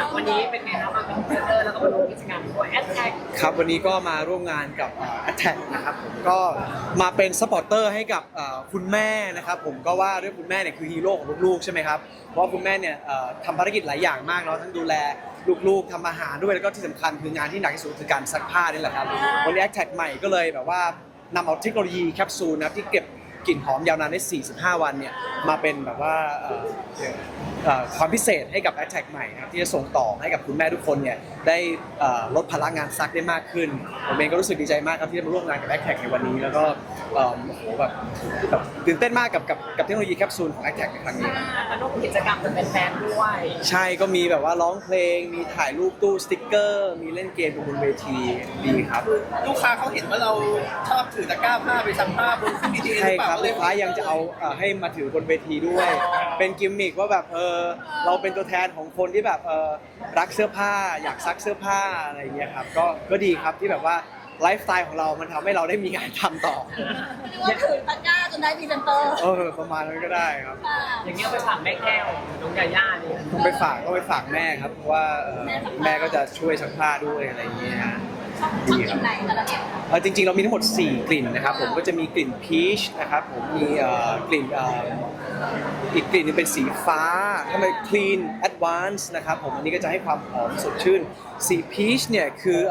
วันนี้เป็นไงครับมาเป็นพรีเซนเตอร์แล้วก็มาร่วมกิจกรรมด้วยแอดแท็กครับวันนี้ก็มาร่วมงานกับAttack นะครับผมก็มาเป็นซัพพอร์ตเตอร์ให้กับคุณแม่นะครับผมก็ว่าด้วยคุณแม่เนี่ยคือฮีโร่ของลูกๆใช่ไหมครับเพราะว่าคุณแม่เนี่ยทำภารกิจหลายอย่างมากเนาะทั้งดูแลลูกๆทำอาหารด้วยแล้วก็ที่สำคัญคืองานที่หนักที่สุดคือการซักผ้านี่แหละครับวันนี้ Attack ใหม่ก็เลยแบบว่านำเอาเทคโนโลยีแคปซูลนะครับที่เก็บกลิ่นหอมยาวนานได้ 45 วันเนี่ยมาเป็นแบบว่าความพิเศษให้กับ Attack ใหม่นะครับที่จะส่งต่อให้กับคุณแม่ทุกคนเนี่ยได้ลดภาระงานซักได้มากขึ้นผมเองก็รู้สึกดีใจมากครับที่ได้มาร่วมงานกับ Attack ในวันนี้แล้วก็โอ้โหแบบตื่นเต้นมากกับเทคโนโลยีแคปซูลของ Attack ในครั้งนี้มาร่วมกิจกรรมจะเป็นแฟนด้วยใช่ก็มีแบบว่าร้องเพลงมีถ่ายรูปตู้สติ๊กเกอร์มีเล่นเกมบนเวทีดีครับลูกค้าเขาเห็นว่าเราชอบถือตะกร้าผ้าไปซักผ้าบนเวทีหรือเปล่าลูกค้ายังจะเอาให้มาถือบนเวทีด้วยเป็นกิมมิคว่าแบบเราเป็นตัวแทนของคนที่แบบรักเสื้อผ้าอยากซักเสื้อผ้าอะไรอย่างเงี้ยครับก็ดีครับที่แบบว่าไลฟ์สไตล์ของเรามันทำให้เราได้มีงานทำต่อเรียกว่าถือตะกร้าจนได้พรีเซนเตอร์ประมาณนั้นก็ได้ครับอย่างเงี้ยไปฝากแม่แก้วน้องยาย่านี่ไปฝากแม่ครับเพราะว่าแม่ก็จะช่วยซักผ้าด้วยอะไรอย่างเงี้ยฮะชอบกลิ่นไหนแต่ละแบบจริงๆเรามีทั้งหมด4กลิ่นนะครับผมก็จะมีกลิ่นพีชนะครับผมมีกลิ่นอีกกลิ่นนึงเป็นสีฟ้าทำไม clean advance นะครับผมอันนี้ก็จะให้ความหอมสดชื่นสีพีชเนี่ย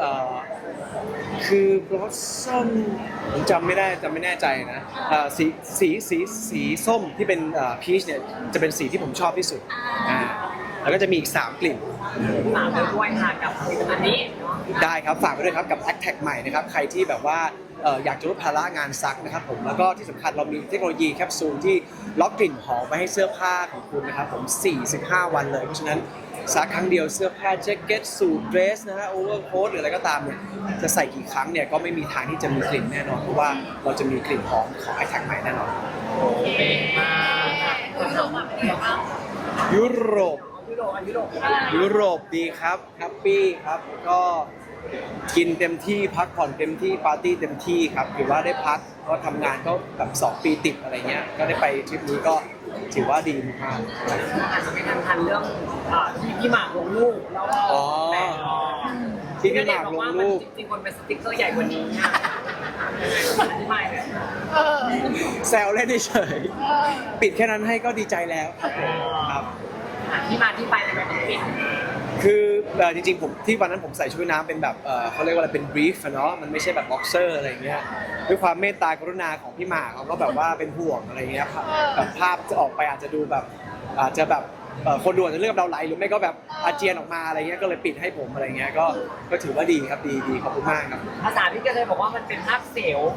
คือ blossom ผมจำไม่แน่ใจนะสีส้มที่เป็นพีชเนี่ยจะเป็นสีที่ผมชอบที่สุดแล้วก็จะมีอีก3กลิ่นฝากไปด้วยค่ะกับผลิตภัณฑ์นี้ได้ครับฝากไปด้วยครับกับ Attack ใหม่นะครับใครที่แบบว่าอยากจะลดภาระงานซักนะครับผมแล้วก็ที่สำคัญเรามีเทคโนโลยีแคปซูลที่ล็อกกลิ่นหอมไว้ให้เสื้อผ้าของคุณนะครับผม45 วันเลยเพราะฉะนั้นซักครั้งเดียวเสื้อผ้าแจ็คเก็ตสูทเดรสนะฮะโอเวอร์โค้ทหรืออะไรก็ตามเนี่ยจะใส่กี่ครั้งเนี่ยก็ไม่มีทางที่จะมีกลิ่นแน่นอนเพราะว่าเราจะมีกลิ่นหอมของ Attack ใหม่แน่นอนยุโรปดีครับแฮปปี้ครับก็กินเต็มที่พักผ่อนเต็มที่ปาร์ตี้เต็มที่ครับถือว่าได้พักก็ทำงานก็แบบ2 ปีติดอะไรเงี้ยก็ได้ไปทริปนี้ก็ถือว่าดีมากอาจจะไม่ทันเรื่องที่พี่หมากลงรูปแล้วที่พี่หมากลงรูปจริงๆมันเป็นสติ๊กเกอร์ใหญ่กว่านี้อธิบายเลยแซวเล่นเฉยปิดแค่นั้นให้ก็ดีใจแล้วครับที่มาที่ไปในแบบปิดคือจริงๆผมที่วันนั้นผมใส่ชุดน้ำเป็นแบบเขาเรียกว่าอะไรเป็นบรีฟเนาะมันไม่ใช่แบบบ็อกเซอร์อะไรเงี้ยด้วยความเมตตากรุณาของพี่หมากเขาก็แบบว่าเป็นห่วงอะไรเงี้ยแบบภาพจะออกไปอาจจะดูแบบอาจจะแบบคนดูอาจจะเลือกเราไหลหรือไม่ก็แบบอาเจียนออกมาอะไรเงี้ยก็เลยปิดให้ผมอะไรเงี้ยก็ถือว่าดีครับดีขอบคุณมากครับภาษาพี่ก็เลยบอกว่ามันเป็นภาพเสียว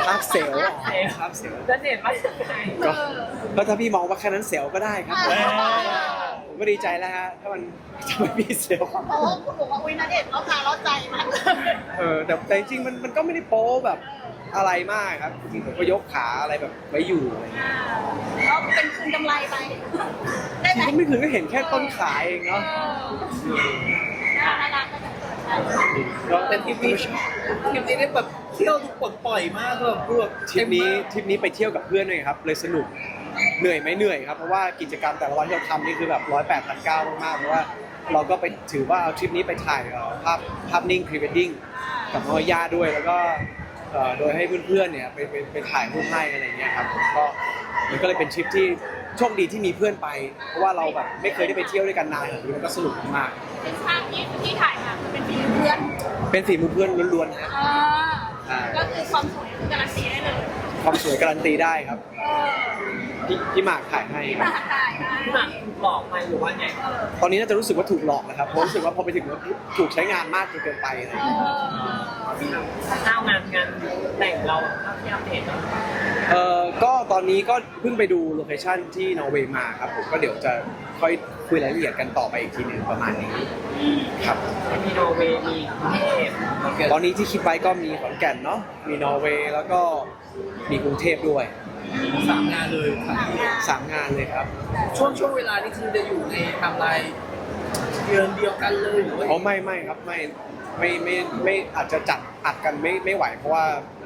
จะเห็นว่าก็ถ้าพี่มองว่าแค่นั้นเสียวก็ได้ครับผมก็ดีใจแล้วฮะถ้ามันจะไม่มีเสียวโอ้คุณบอกว่าอุ้ยณเดชน์เราใจมากแต่จริงๆมันก็ไม่ได้โป๊แบบอะไรมากครับจริงๆผมก็ยกขาอะไรแบบไว้อยู่อะไรเงี้ยก็เป็นคืนกำไรไปได้ไหมไม่ถึงก็เห็นแค่ต้นขาเองเนาะน่ารักก็แต่ทริปนี้ได้แบบเที่ยวทุกปลดปล่อยมากแบบทริปนี้ไปเที่ยวกับเพื่อนเลยครับเลยสนุกเหนื่อยไหมเหนื่อยครับเพราะว่ากิจกรรมแต่ละวันที่เราทำนี่คือแบบ108,900 มากเพราะว่าเราก็ไปถือว่าเอาทริปนี้ไปถ่ายภาพนิ่งพรีเวดดิ้งกับน้องย่าด้วยแล้วก็โดยให้เพื่อนๆเนี่ยไปถ่ายรูปให้อะไรเงี้ยครับก็มันก็เลยเป็นทริปที่โชคดีที่มีเพื่อนไปเพราะว่าเราแบบไม่เคยได้ไปเที่ยวด้วยกันนานแบบนี้มันก็สนุกมากเป็นภาพที่ถ่ายมาเป็นฝีมือเพื่อนเป็นฝีมือเพื่อนล้วนๆนะก็คือความสวยการันตีได้เลยความสวยการันตีได้ครับพี่หมากถ่ายให้พี่หมากหลอกไปหรือว่าไงตอนนี้น่าจะรู้สึกว่าถูกหลอกนะครับเพราะรู้สึกว่าพอไปถึงถูกใช้งานมากจนเกินไปอะไรอย่างเงี้ยข้าวงานแต่งเราที่อัปเดตก็ตอนนี้ก็เพิ่งไปดูโลเคชั่นที่นอร์เวย์มาครับผมก็เดี๋ยวจะค่อยคุยรายละเอียดกันต่อไปอีกทีนึงประมาณนี้ครับมีนอร์เวย์มีกรุงเทพตอนนี้ที่คิดไว้ก็มีขอนแก่นเนาะมีนอร์เวย์แล้วก็มีกรุงเทพด้วย 3 งานเลย 3 งานเลยครับช่วงเวลานี้คือจะอยู่ในไทม์ไลน์เดือนเดียวกันเลยหรือว่าไม่ครับไม่อาจจะจัดอัดกันไม่ไหวเพราะว่า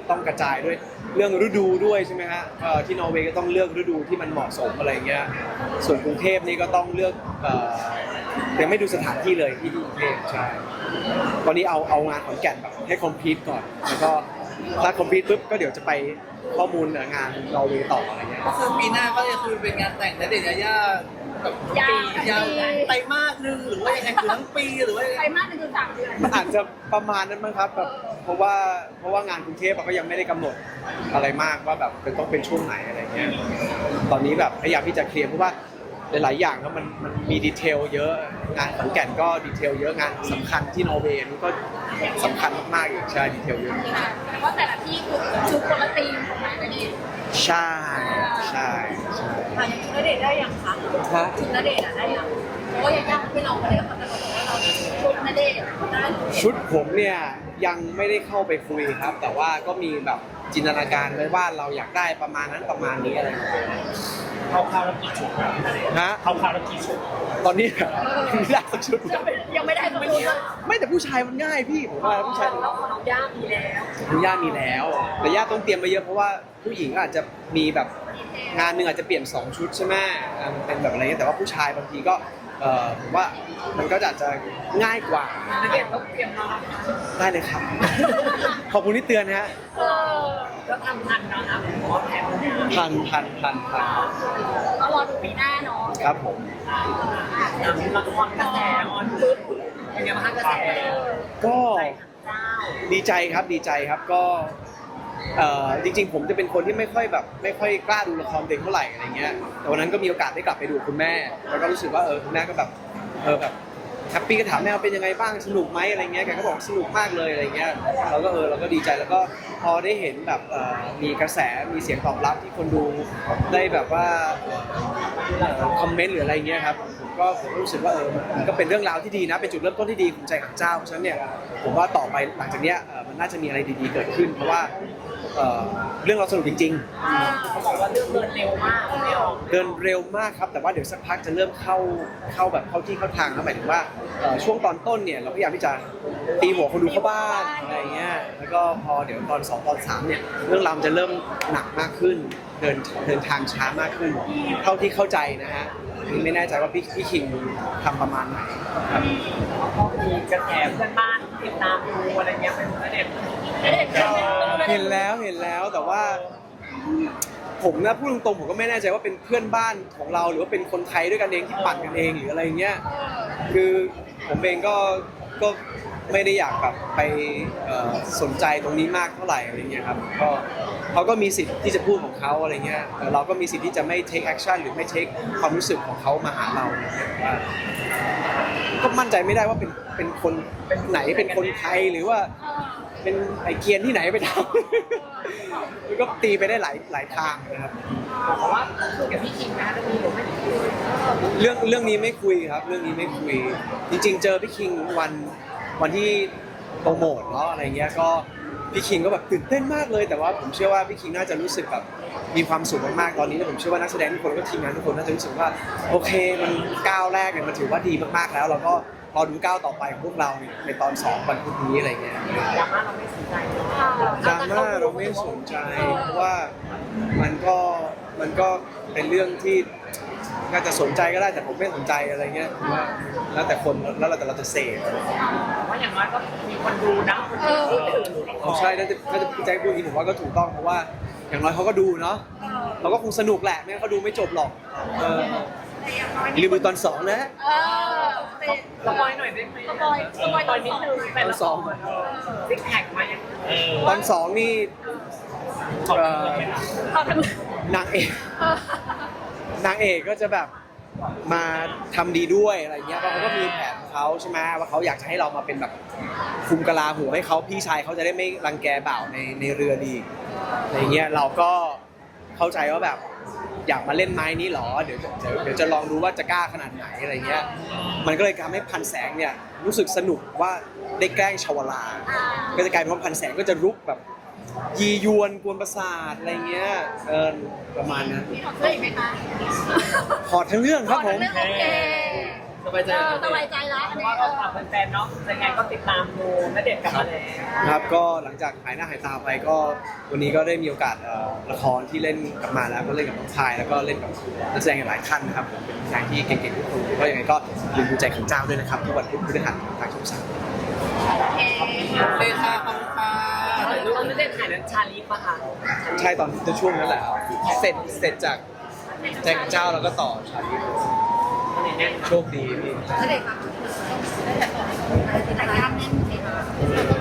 ต้องกระจายด้วยเรื่องฤดูด้วยใช่ไหมฮะที่นอร์เวย์ก็ต้องเลือกฤดูที่มันเหมาะสมอะไรเงี้ยส่วนกรุงเทพนี่ก็ต้องเลือกยังไม่ดูสถานที่เลยที่กรุงเทพใช่ตอนนี้เอางานขอนแก่นแบบให้คอมพลีทก่อนแล้วก็ถ้าคอมพลีทปุ๊บก็เดี๋ยวจะไปข้อมูลงานนอร์เวย์ต่ออะไรเงี้ยก็คือปีหน้าก็จะคือเป็นงานแต่งณเดชน์ยายาแบบยาวยาวไตรมาสนึงหรือว่ายังไงคือทั้งปีหรือว่าไปมากถึง3 เดือนมันอาจจะประมาณนั้นมั้งครับแบบเพราะว่างานกรุงเทพก็ยังไม่ได้กำหนดอะไรมากว่าแบบต้องเป็นช่วงไหนอะไรเงี้ยตอนนี้แบบพยายามที่จะเคลียร์เพราะว่าหลายๆอย่างแล้วมันมีดีเทลเยอะงานขอนแก่นก็ดีเทลเยอะงานสำคัญที่นอร์เวย์นี่ก็สำคัญมากๆอีกใช่ดีเทลเยอะแต่ว่าแต่ละที่คือชุดคนละธีมของมันนะนี่ใช่ใช่ใช่อย่างชุดณเดชน์ได้ยังคะฮะชุดณเดชน์ได้ยังเพราะว่ายังยากไม่ลองไปเลยค่ะแต่บอกว่าเราชุดณเดชน์ได้ชุดผมเนี่ยยังไม่ได้เข้าไปคุยครับ แต่ว่าก็มีแบบจินตนาการไว้ว่าเราอยากได้ประมาณนั้นประมาณนี้อะไรอย่างเงี้ยเข้าข้าวแล้วกี่ชุดครับฮะเข้าข้าวแล้วกี่ชุดตอนนี้ไม่ได้สักชุดยังไม่ได้สักชุดเลยไม่แต่ผู้ชายมันง่ายพี่ผมว่าผู้ชายแล้วของน้องย่ามีแล้วคุณย่ามีแล้ว แต่ย่าต้องเตรียมไปเยอะเพราะว่าผู้หญิงก็อาจจะมีแบบงานหนึ่งอาจจะเปลี่ยน2 ชุดใช่ไหมเป็นแบบอะไรเงี้ยแต่ว่าผู้ชายบางทีก็ผมว่ามันก็อาจจะง่ายกว่าณเดชน์ต้องเตรียมมาได้เลยครับ ขอบคุณที่เตือนนะฮะแล้วทำทันนะครับเพราะว่าแผนเนี่ยทันก็รอดูปีหน้าเนาะครับผมละครกระแสออนปึ๊บเป็นไงบ้างคะกระแสก็เจ้าดีใจครับก็จริงๆผมจะเป็นคนที่ไม่ค่อยกล้าดูละครเด็กเท่าไหร่อะไรเงี้ยแต่วันนั้นก็มีโอกาสได้กลับไปดูคุณแม่แล้วก็รู้สึกว่าคุณแม่ก็แบบแบบแฮปปี้ก็ถามแม่ว่าเป็นยังไงบ้างสนุกไหมอะไรเงี้ยแกก็บอกสนุกมากเลยอะไรเงี้ยเราก็ดีใจแล้วก็พอได้เห็นแบบมีกระแสมีเสียงตอบรับที่คนดูได้แบบว่าคอมเมนต์หรืออะไรเงี้ยครับผมก็รู้สึกว่ามันก็เป็นเรื่องราวที่ดีนะเป็นจุดเริ่มต้นที่ดีของใจหักเจ้าเพราะฉะนั้นเนี่ยผมว่าต่อไปหลังจากเนี้ยมันน่าจะมีอะไรดีๆเกิดขึ้นเพราะว่าเรื่องเราสนุกจริงๆเขาบอกว่าเรื่องเดินเร็วมากไม่ออกเดินเร็วมากครับแต่ว่าเดี๋ยวสักพักจะเริ่มเข้าแบบเข้าที่เข้าทางแล้วหมายถึงว่าช่วงตอนต้นเนี่ยเราพยายามที่จะตีหัวคนดูเข้าบ้านอะไรเงี้ยแล้วก็พอเดี๋ยวตอน2ตอน3เนี่ยเรื่องราวมันจะเริ่มหนักมากขึ้นเดินทางช้ามากขึ้น เท่าที่เข้าใจนะฮะไม่แน่ใจว่าพี่คิงทำประมาณไหนครับแล้วก็มีกระแสเพื่อนบ้านติดตามดูอะไรเงี้ยเป็นณเดชน์เห็นแล้วแต่ว่าผมนะพูดตรงๆผมก็ไม่แน่ใจว่าเป็นเพื่อนบ้านของเราหรือว่าเป็นคนไทยด้วยกันเองที่ปั่นกันเองหรืออะไรเงี้ยคือผมเองก็ไม่ได้อยากแบบไปสนใจตรงนี้มากเท่าไหร่อะไรเงี้ยครับก็เขาก็มีสิทธิ์ที่จะพูดของเขาอะไรเงี้ยแต่เราก็มีสิทธิ์ที่จะไม่ take action หรือไม่ take ความรู้สึกของเขามาหาเราว่าก็มั่นใจไม่ได้ว่าเป็นคนไหนเป็นคนไทยหรือว่าเป็นไอเกียนที่ไหนไปทำมันก็ตีไปได้หลายทางนะครับบอกว่าคุยกับพี่คิงนะเรื่องนี้หรือไม่ได้คุยเรื่องนี้ไม่คุยครับเรื่องนี้ไม่คุยจริงๆเจอพี่คิงวันที่โปรโมทเนาะอะไรเงี้ยก็พี่คิงก็แบบตื่นเต้นมากเลยแต่ว่าผมเชื่อว่าพี่คิงน่าจะรู้สึกแบบมีความสุขมากๆตอนนี้ผมเชื่อว่านักแสดงทุกคนก็ทีมงานทุกคนน่าจะรู้สึกว่าโอเคมันก้าวแรกเนี่ยมันถือว่าดีมากๆแล้วเราก็รอดูก้าวต่อไปของพวกเราในตอน2วันพรุ่งนี้อะไรเงี้ยดราม่าเราไม่สนใจดราม่าเราไม่สนใจเพราะว่ามันก็เป็นเรื่องที่น่าจะสนใจก็ได้แต่ผมไม่สนใจอะไรเงี้ยว่าแล้วแต่คนแล้วแต่เราจะเสพว่าอย่างน้อยก็มีคนดูนะคนพูดถึงเอาใช่น่าจะพี่แจ็คพูดอย่างนี้ผมว่าก็ถูกต้องเพราะว่าอย่างน้อยเขาก็ดูเนาะเขาก็คงสนุกแหละไม่งั้นเขาดูไม่จบหรอกรีวิวตอน2นะเป็นสปอยหน่อยได้ไหมสปอยตอนนิด 2 นึงแต่ละสองซิกแพคมายังตอน2นี่ขอบคุณเลยนะตอนทั้งนางเอกก็จะแบบมาทำดีด้วยอะไรเงี้ยเพราะเขาก็มีแผนของเขาใช่ไหมว่าเขาอยากจะให้เรามาเป็นแบบคุมกะลาหัวให้เขาพี่ชายเขาจะได้ไม่รังแกบ่าวในเรือดีอะไรเงี้ยเราก็เข้าใจว่าแบบอยากมาเล่นไม้นี้หรอเดี๋ยวจะลองดูว่าจะกล้าขนาดไหนอะไรเงี้ยมันก็เลยทำให้พันแสงเนี่ยรู้สึกสนุกว่าได้แกล้งชาวลาก็จะกลายเป็นว่าพันแสงก็จะรุกแบบยียวนกวนประสาทอะไรเงี้ยประมาณนั้นมีถอดเสื้ออีกไหมคะถอดทั้งเรื่องครับผมถอดทั้งเรื่องโอเคสบายใจสบายใจแล้วเพอันราะนี้ว่าเราฝากแฟนๆเนาะยังไงก็ติดตามดูณเดชน์กลับมาแล้วครับก็หลังจากหายหน้าหายตาไปก็วันนี้ก็ได้มีโอกาสละครที่เล่นกลับมาแล้วก็เล่นกับน้องชายแล้วก็เล่นกับนักแสดงหลายท่านนะครับผมเป็นนักแสดงที่เก่งๆทุกคนก็ยังไงก็อย่าลืมดูใจขันเจ้าด้วยนะครับทุกวันพุธพฤหัสทางช่องสามโอเคค่ะขอบคุณค่ะรู้ว่าณเดชน์ถ่ายนั้นชาลีฟป่ะคะใช่ตอนช่วงนั้นแหละครับเสร็จจากใจขันเจ้าแล้วก็ต่อชาลีโชคดีพี่ณเดชน์ค่ะณเดชน์ต่อแต่งงานแน่นเลยค่ะ